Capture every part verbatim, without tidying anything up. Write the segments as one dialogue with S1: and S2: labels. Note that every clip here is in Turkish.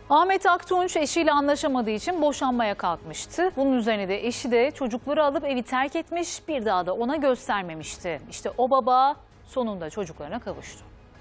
S1: Ahmet Aktunç eşiyle anlaşamadığı için boşanmaya kalkmıştı. Bunun üzerine de eşi de çocukları alıp evi terk etmiş, bir daha da ona göstermemişti. İşte o baba sonunda çocuklarına kavuştu.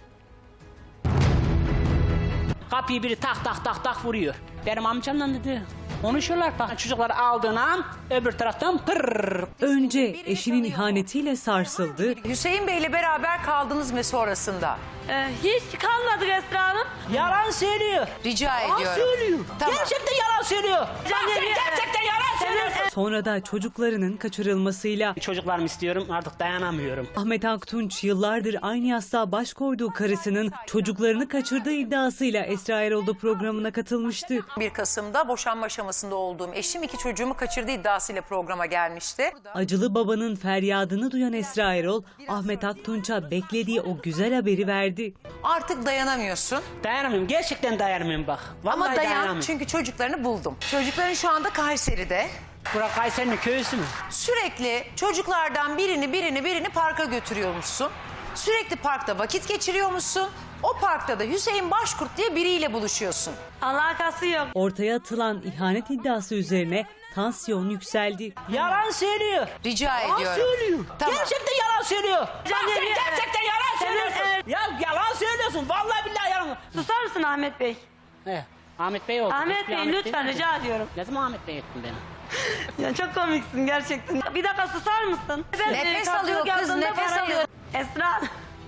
S2: Kapıyı biri tak tak tak tak vuruyor. Benim amcamla dedi. Konuşuyorlar. Bak çocukları aldığın an öbür taraftan pırrrr.
S3: Önce eşinin ihanetiyle sarsıldı.
S4: Hüseyin Bey'le beraber kaldınız mı sonrasında?
S5: Ee, hiç kalmadık Esra Hanım.
S2: Yalan söylüyor.
S4: Rica
S2: Yalan
S4: ediyorum.
S2: söylüyor.
S4: Tamam.
S2: Gerçekten yalan söylüyor. Bak sen gerçekten yalan söylüyorsun.
S3: Sonra da çocuklarının kaçırılmasıyla
S2: Çocuklarımı istiyorum, artık dayanamıyorum.
S3: Ahmet Aktunç yıllardır aynı yastığa baş koyduğu karısının çocuklarını kaçırdığı iddiasıyla Esra Erol'da programına katılmıştı.
S4: bir Kasım'da boşanma aşamasında olduğum eşim iki çocuğumu kaçırdığı iddiasıyla programa gelmişti.
S3: Acılı babanın feryadını duyan Esra Erol, Ahmet Aktunç'a beklediği o güzel haberi verdi.
S4: Artık dayanamıyorsun.
S2: Dayanamıyorum, gerçekten dayanamıyorum bak. Vallahi
S4: Ama dayan
S2: dayanamıyorum.
S4: çünkü çocuklarını buldum. Çocukların şu anda Kayseri'de.
S2: Burak Kayseri'nin köyüsü mü?
S4: Sürekli çocuklardan birini birini birini parka götürüyormuşsun. Sürekli parkta vakit geçiriyormuşsun. O parkta da Hüseyin Başkurt diye biriyle buluşuyorsun.
S5: Alakası yok.
S3: Ortaya atılan ihanet iddiası üzerine tansiyon yükseldi.
S2: Yalan söylüyor.
S4: Rica
S2: Yalan
S4: ediyorum.
S2: söylüyor.
S4: Tamam.
S2: Gerçekten yalan söylüyor. Bak sen
S5: Canım,
S2: gerçekten yalan söylüyorsun.
S5: evet.
S2: Ya yalan söylüyorsun. Vallahi billahi yalan.
S5: Susar mısın Ahmet Bey?
S2: He, Ahmet Bey oldu.
S5: Ahmet
S2: Hiçbir
S5: Bey
S2: Ahmet
S5: lütfen
S2: değil.
S5: rica ediyorum.
S2: Ne zaman Ahmet Bey ettin beni?
S5: Ya çok komiksin gerçekten. Bir dakika susar mısın? Ben,
S4: Nefes
S5: e,
S4: alıyor
S5: karşılık
S4: kız,
S5: yaptığımda
S4: nefes
S5: parayı-
S4: alıyor.
S5: Esra.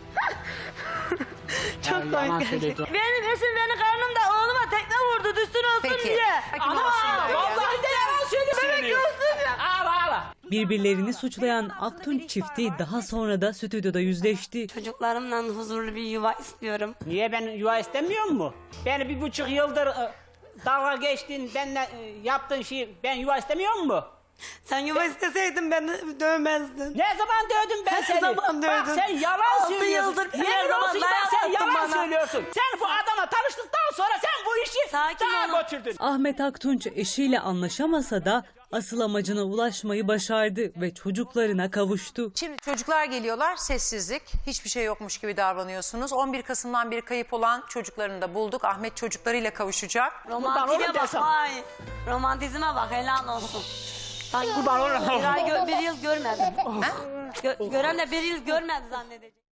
S5: Çok
S2: Ya, yalan
S5: komik.
S2: söylüyordu.
S5: Benim eşim beni karnımda oğluma tekme vurdu düşsün olsun
S4: Peki.
S5: diye.
S2: Ama vallahi de yalan söylüyorsun.
S5: Bebek olsun ya.
S2: Ağla ağla.
S3: Birbirlerini suçlayan Aktunç çifti daha sonra da stüdyoda yüzleşti.
S6: Çocuklarımla huzurlu bir yuva istiyorum.
S2: Niye ben yuva istemiyor mu? Beni bir buçuk yıldır e, dalga geçtin, benimle e, yaptığın şeyi ben yuva istemiyor mu?
S6: Sen yuva isteseydin beni dövmezdin.
S2: Ne zaman dövdüm ben
S6: Her
S2: seni?
S6: zaman
S2: Bak
S6: dövdün.
S2: sen yalan
S6: Altı
S2: söylüyorsun.
S6: yıldır her
S2: Yemin
S6: zaman
S2: olsun
S6: dayak
S2: bak sen
S6: attın
S2: yalan
S6: bana.
S2: söylüyorsun. Sen bu adama tanıştıktan sonra sen bu işi
S6: Sakin
S2: daha
S6: olun.
S2: götürdün.
S3: Ahmet Aktunç eşiyle anlaşamasa da asıl amacına ulaşmayı başardı ve çocuklarına kavuştu.
S4: Şimdi çocuklar geliyorlar, sessizlik. Hiçbir şey yokmuş gibi davranıyorsunuz. on bir Kasım'dan beri kayıp olan çocuklarını da bulduk. Ahmet çocuklarıyla kavuşacak.
S6: Romantizme
S2: oğlum
S6: bak
S2: desem.
S6: vay. Romantizme bak helal olsun. Sanki
S2: Kurban olurum.
S6: bir ay gö- bir yıl görmedim. Gö- gören de bir yıl görmedi zannedecek.